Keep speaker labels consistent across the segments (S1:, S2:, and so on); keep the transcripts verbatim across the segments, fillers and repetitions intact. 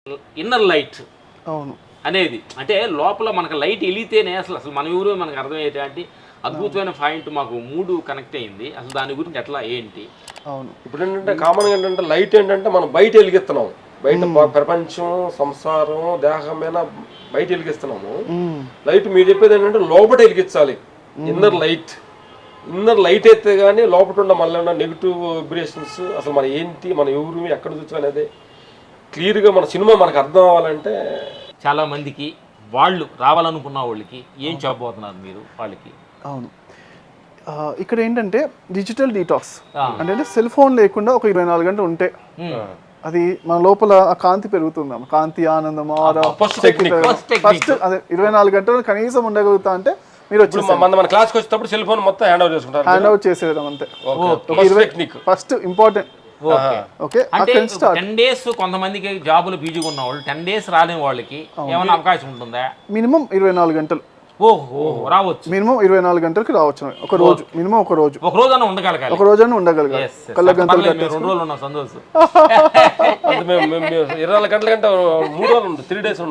S1: Inner light
S2: అవును
S1: అనేది అంటే లోపల మనకు లైట్ వెలిగితేనే అసలు అసలు మన ఊరు మనకు అర్థమయ్యేటువంటి అద్భుతమైన పాయింట్ మాకు మూడు కనెక్ట్ అయింది. అసలు దాని గురించి ఎట్లా ఏంటి?
S2: అవును
S3: ఇప్పుడు ఏంటంటే కామన్గా ఏంటంటే లైట్ ఏంటంటే మనం బయట వెలిగిస్తున్నాం, బయట ప్రపంచం సంసారం దేహమైన బయట వెలిగిస్తున్నాము. లైట్ మీరు చెప్పేది ఏంటంటే లోపల వెలిగించాలి, ఇన్నర్ లైట్. ఇన్నర్ లైట్ అయితే కానీ లోపల ఉన్న మళ్ళీ ఉన్న నెగిటివ్ వైబ్రేషన్స్ అసలు మన ఏంటి మన ఎవరు ఎక్కడ చూసాం అనేది క్లియర్గా మన సినిమా మనకు అర్థం అవ్వాలంటే
S1: చాలా మందికి వాళ్ళు రావాలనుకున్న వాళ్ళకి ఏం చెప్పబోతున్నారు మీరు వాళ్ళకి?
S2: అవును ఇక్కడ ఏంటంటే డిజిటల్ డీటాక్స్ అంటే సెల్ ఫోన్ లేకుండా ఒక ఇరవై నాలుగు గంటలు ఉంటే అది మన లోపల ఆ కాంతి పెరుగుతుంది, కాంతి ఆనందం
S3: ఫస్ట్ టెక్నిక్.
S2: ఫస్ట్ అదే ఇరవై నాలుగు గంటలు కనీసం ఉండగలుగుతా అంటే మీరు వచ్చి
S3: మన మన క్లాస్కి వచ్చేటప్పుడు సెల్ ఫోన్ మొత్తం హ్యాండ్ ఓవర్ చేసుకుంటారు,
S2: హ్యాండ్ ఓవర్ చేసేయడం అంతే. First important. ఓకే
S1: అంటే టెన్ డేస్ కొంతమందికి జాబులు బిజీగా ఉన్న వాళ్ళు టెన్ డేస్ రాలేని వాళ్ళకి ఏమైనా అవకాశం ఉంటుందా?
S2: మినిమం ఇరవై నాలుగు గంటలు
S1: ఓహో రావచ్చు,
S2: మినిమం ఇరవై నాలుగు గంటలకి రావచ్చు. ఒక రోజు మినిమం ఒక రోజు
S1: ఒక రోజు అన్న ఉండగలగాలి,
S2: ఒక రోజు అన్న ఉండగలగాలి. కళ్ళ గంటలు
S1: రెండు రోజులు ఉన్నాం సంతోషం.
S3: ఇరవై నాలుగు గంటల కంటే మూడు రోజులు ఉంటుంది, త్రీ డేస్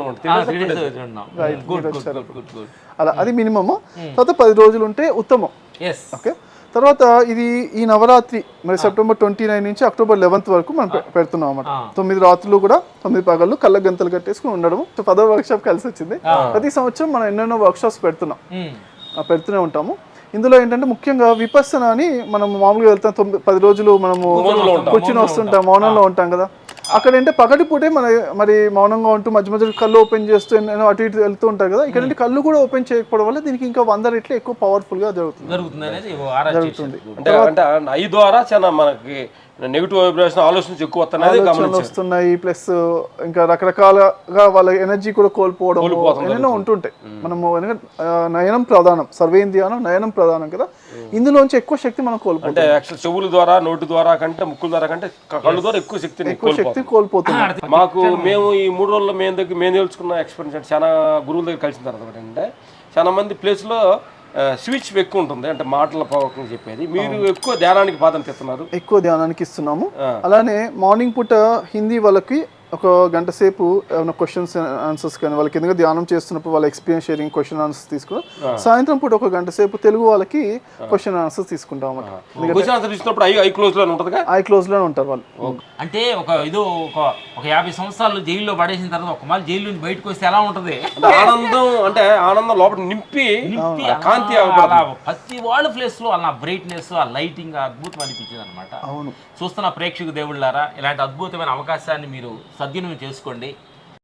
S2: అలా అది మినిమమ్. తర్వాత పది రోజులు ఉంటే ఉత్తమం. ఓకే తర్వాత ఇది ఈ నవరాత్రి మరి సెప్టెంబర్ ట్వంటీ నైన్ నుంచి అక్టోబర్ లెవెన్త్ వరకు మనం పెడుతున్నాం అన్నమాట. తొమ్మిది రాత్రులు కూడా తొమ్మిది పగళ్ళు కళ్ళ గంతలు కట్టేసుకుని ఉండడం. పదో వర్క్ షాప్ కలిసి వచ్చింది. ప్రతి సంవత్సరం మనం ఎన్నెన్నో వర్క్ షాప్స్ పెడుతున్నాం, పెడుతూనే ఉంటాము. ఇందులో ఏంటంటే ముఖ్యంగా విపස්සన అని మనం మామూలుగా వెళ్తాం, తొమ్మిది పది రోజులు మనము కూర్చుని వస్తుంటాం, మౌనంలో ఉంటాం కదా. అక్కడ ఏంటంటే పగటిపూటే మన మరి మౌనంగా ఉంటూ మధ్య మధ్య కళ్ళు ఓపెన్ చేస్తూ అటు ఇటు వెళ్తూ ఉంటారు కదా. ఇక్కడ కళ్ళు కూడా ఓపెన్ చేయకపోవడం వల్ల దీనికి ఇంకా వంద రెట్లు ఎక్కువ పవర్ఫుల్ గా జరుగుతుంది జరుగుతుంది
S3: అంటే ఐ ద్వారా చాలా మనకి నెగిటివ్ వైబ్రేషన్ ఆలోచనలు ఎక్కువ
S2: వస్తున్నాయి. ప్లస్ ఇంకా రకరకాలుగా వాళ్ళ ఎనర్జీ కూడా కోల్పోవడం ఏమైనా ఉంటుంటాయి. మనము నయనం ప్రధానం, సర్వేంద్రియానం నయనం ప్రధానం కదా. ఇందులోంచి ఎక్కువ శక్తి మనం కోల్పోతాం.
S3: చెవుల ద్వారా నోటి ద్వారా కంటే ముక్కుల ద్వారా కంటే కళ్ళు ద్వారా ఎక్కువ శక్తి
S2: ఎక్కువ శక్తి కోల్పోతున్నాం.
S3: మాకు మేము ఈ మూడు రోజుల్లో మేము దగ్గర మేము తెలుసుకున్న ఎక్స్పీరియన్స్ చాలా గురువుల దగ్గర కలిసిన తర్వాత అంటే చాలా మంది ప్లేస్లో స్విచ్ ఎక్కువ ఉంటుంది, అంటే మాటల పవర్కి చెప్పేది. మీరు ఎక్కువ ధ్యానానికి ప్రాధాన్యత ఇస్తున్నారు,
S2: ఎక్కువ ధ్యానానికి ఇస్తున్నాము. అలానే మార్నింగ్ పూట హిందీ వాళ్ళకి ఒక గంట సేపు ఏమైనా క్వశ్చన్స్ ఆన్సర్స్ కానీ వాళ్ళకి ఎందుకంటే ధ్యానం చేస్తున్నప్పుడు వాళ్ళ ఎక్స్పీరియన్స్ షేరింగ్ క్వశ్చన్ ఆన్సర్స్ తీసుకుని, సాయంత్రం పూట ఒక గంట సేపు తెలుగు వాళ్ళకి క్వశ్చన్ ఆన్సర్స్ తీసుకుంటాం
S3: అన్నమాట. ఐ క్లోజ్ లో ఉంటుంది,
S2: ఐ క్లోజ్ లోనే ఉంటారు వాళ్ళు.
S1: అంటే ఒక ఇది ఒక ఒక యాభై సంవత్సరాలు జైల్లో పడేసిన తర్వాత ఒక మళ్ళీ జైలు నుంచి బయటకు వస్తే ఎలా ఉంటది?
S3: ఆనందం అంటే ఆనందం లోపల నింపి నింపి కాంతి
S1: ప్రతి వాళ్ళ ప్లేస్ లో అలా బ్రైట్నెస్ ఆ లైటింగ్ అద్భుతం అనిపించింది అనమాట.
S2: అవును,
S1: చూస్తున్న ప్రేక్షకు దేవుళ్ళారా ఇలాంటి అద్భుతమైన అవకాశాన్ని మీరు సద్వినియోగం చేసుకోండి.